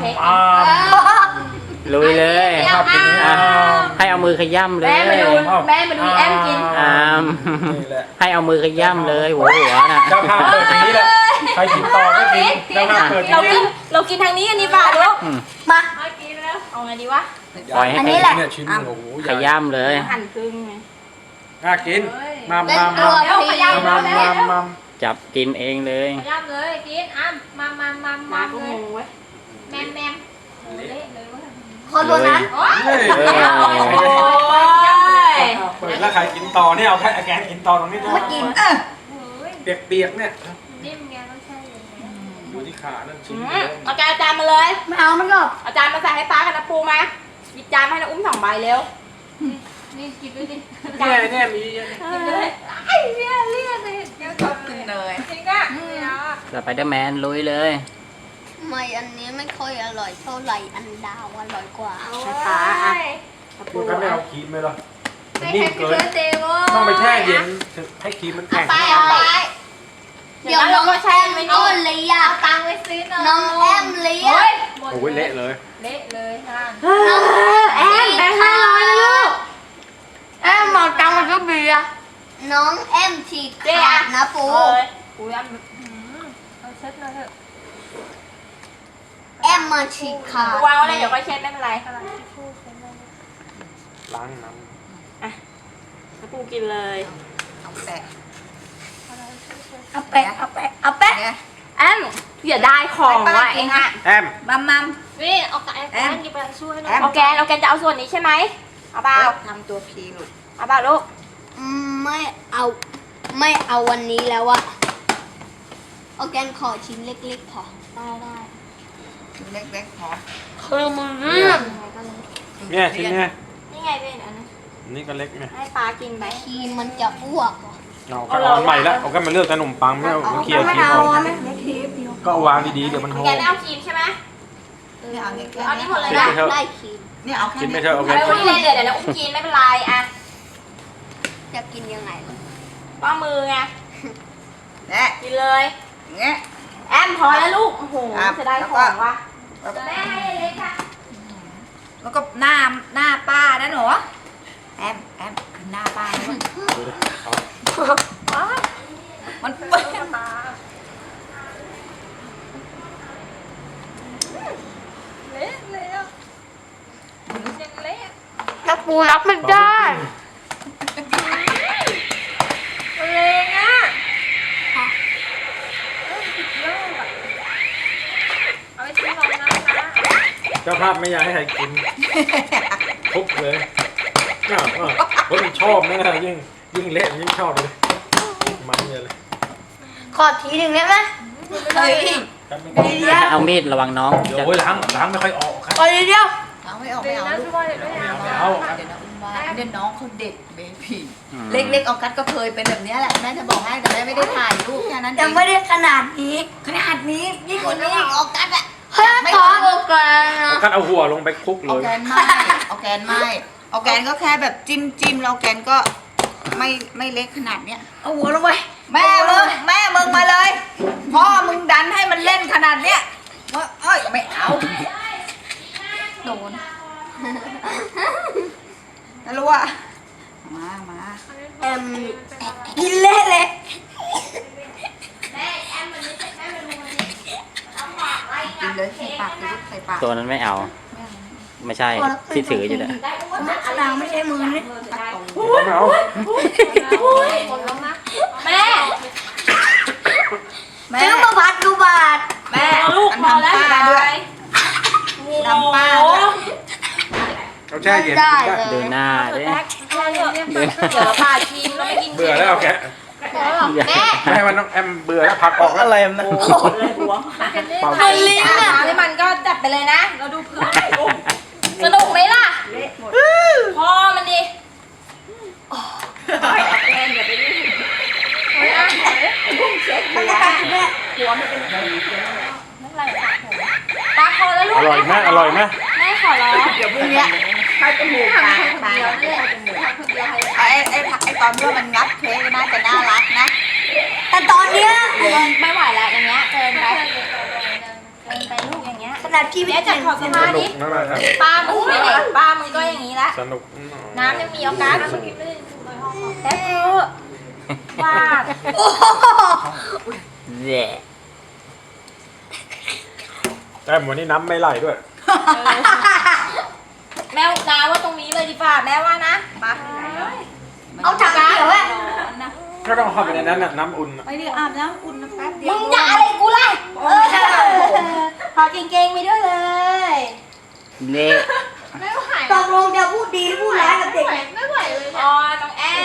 เค้กลุยเลยให้เอามือขย้ำเลยแม่มาดูแอมกินให้เอามือขย้ำเลยหัวน่ะเจ้าภาพเปิดอย่างนี้แหละใครกินต่อก็กินเจ้าภาพเปิดอย่างนี้เรากินทางนี้กันดีกว่าลูกมากินแล้วเอาไงดีวะปล่อยให้อันนี้แหละเนี่ยชิ้นโอ้โหขย้ำเลยหั่นครึ่งไงน่ากินมาเป็นตัวพีจับกินเองเลยย่ำเลยกินอ้ำมามาก็งงเว้ยแมมเละเลยว่าคนตัวนั้นโอ้ยเปิดแล้วใครกินต่อเนี่ยเอาแค่แกนกินต่อตรงนี้ด้วยมากินเปียกๆเนี่ยนิ่มไงต้องใช่อย่างเงี้ยดูที่ขานั่นชิ้นเอาจานมาเลยไม่เอามันก็เอาจานมาใส่ให้ป้ากับน้าปูมาหยิบจานมาให้น้าอุ้ม2 ใบเร็วนี่กินด้วยดิเนี่ยมีกินเลยไอ้เลี่ยเลยเดี๋ยวชอบกินเลยจริงอ่ะสไปเดอร์แมนลุยเลยไม่อันนี้ไม่ค่อยอร่อยเท่าไหร่อันดาวอร่อยกว่าให้ป้าอ่ะดูกันไม่เอาครีมเลยหรอมันให้นิ่แฮมปปี้เกินเบิร์ดเดย์ว้ต้องไปแช่เย็นให้ครีมมันเอาแข็งไปเอาไปเดี๋ยวน้องแอมอ้นเลยอ่ะเอาตังค์ไปซื้อหน่อยน้องแอมเลยอ่ะโอ้ยเละเลยเละเลยท่านแอมแบงค์500นะลูกแอมหมดตังค์มันก็เบียร์น้องแอมฉีกขาดนะปูอุ้ยแอมเอาเช็ดหน่อยเถอะแอมมาฉีกขาดวางไว้เลยเดี๋ยวก็เช็ดไม่เป็นไรล้างน้น้าปูกินเลยเอาแปะเอาแปะแอมอย่าได้ของว่ะเองอ่ะำแอมมัมนี่เอาแอมกินไปช่วยหน่อยเอาแกนจะเอาส่วนนี้ใช่ไหมเอาเปล่าทำตัวพีลูกเอาเปล่าลูกไม่เอาวันนี้แล้วอะเอาแกนขอชิ้นเล็กๆพอได้เล็กๆพอคือมึงเรื่องเนี่ยชิ้นเนี่ยนี่ไงเป็นอันนี้นี่ก็เล็กไงให้ปลากินไปทีมันจะอ้วกเหรอเอาก็เอาใหม่แล้วเอาก็มาเลือกขนมปังไม่เอาเคี่ยวครีมออกก็เอาวางดีๆเดี๋ยวมันโหแกไม่เอาครีมใช่ไหมเอาเล็กเอานี่หมดเลยกินนะไปเถอะได้ครีมเนี่ยเอาแค่กินไปนี้เถอะเอาไปเอาไว้วันนี้เลยเดี๋ยวนะอุ้มกินไม่เป็นไรอ่ะจะกินยังไงล่ะป้ามือไงเนี่ยกินเลยอย่างเงี้ยแอมพอแล้วลูกโอ้โหครับจะได้ของวะแม่ให้เล็กค่ะแล้วก็หน้าป้านะหนูแอมคือหน้าป้านะลูกดูดิเอามันเปื้อนเละเลยอ่ะยังเละแล้วปูรับไม่ได้เลงอ่ะเอาไปซื้อรองน้ำนะเจ้าภาพไม่อยากให้ใครกินทุบเลยคนมันชอบนะยิ่งเละยิ่งชอบเลยมันเลยขอทีหนึ่งได้ไหมเฮ้ยเอามีดระวังน้องเดี๋ยวล้างไม่ค่อยออกครับขอทีเดียวเอาไม่เอาเดี๋ไม่ยวเอานะลูทุกกคนเดี๋ยวนะไม่เอาครับเดี๋ยวนะอุ้มว่าเดี๋ยวน้องเขาเด็กเบบี้เล็กๆออกัสก็เคยเป็นแบบนี้แหละแม่จะบอกให้แต่แม่ไม่ได้ถ่ายรูปแค่นั้นเอยังงไม่ได้ขนาดนี้ขนาดนี้ยิ่งกว่านี้ออกัสอะเฮ้ยขอโอแกนนะกัดเอาหัวลงไปคลุกเลออย แกนไม่ออแกนไม่ออแกนก็แค่แบบจิ้มแล้วออแกนก็ไม่เล็กขนาดเนี้ยเอาหัวลงไปแม่มึงมาเลยพ่อมึงดันให้มันเล่นขนาดเนี้ยว่าเอ้ยไม่เอาโดนแล้วรู้ว่ามากินเละเลยกินเลยใส่ปากเลยใส่ปากตัวนั้นไม่เอา ไม่ใช่ที่ถืออยู่เลยนางไม่ใช่มือนี่ไม่เอาแม่ซื้อมาพัดดูบาทแม่ลูกมันพอแล้วทำป้าด้วย ทำป้าด้วยเอาแช่เย็นได้กินเลได้ดูยหน้าดิเดี๋ยวปลาชิมแล้วไม่กินเบื่อแล้วเอาแกะแม่ไม่ให้มันต้องแอมเบื่อแล้วผักออกแล้วอะไรนะโอ้โหเลยหัวเป่ามันลิ้นอ่ะให้มันก็จับไปเลยนะ เราดูเพื่อนสนุกไหมล่ะพ่อมันดิแอนอย่าไปยุ่งหัวมันเป็นนั่นอะไรตาคอแล้วลูกอร่อยไหมอร่อยไหมแม่ขอร้องเดี๋ยวพรุ่งเนี้ยให้จมูกปากปากไอ้ตอนที่ว่ามันงับเค้กน่าจะน่ารักนะแต่ตอนเนี้ยไม่ไหวแล้วอย่างเงี้ยเกินไปลูกอย่างเงี้ยแต่นาดพี่ไม่แม่จัดขอบสสมานุธิกมากครับป้ามึงไม่ไหนป้ามึงก็อย่างนี้ละสนุกน้ำยังมีโอกาสแต่เธอวาดแย่แต่วันนี้น้ำไม่ไหลด้วยแม่น้าว่าตรงนี้เลยดีกว่าแม่ว่านะปะเอาถังเขียวอะก็ต้องเข้าไปในนั้นน่ะน้ำอุ่นน่ะไปดิอาบน้ำอุ่นนะแป๊บเดียมึวงจะอะไรกูล่ะขอเก่งๆไปด้วยเลยเละไม่ไหวตกลงจะพูดดีหรือพูดร้ายกับเด็กเนี่ยไม่ไหวเลยอ๋อน้องแอน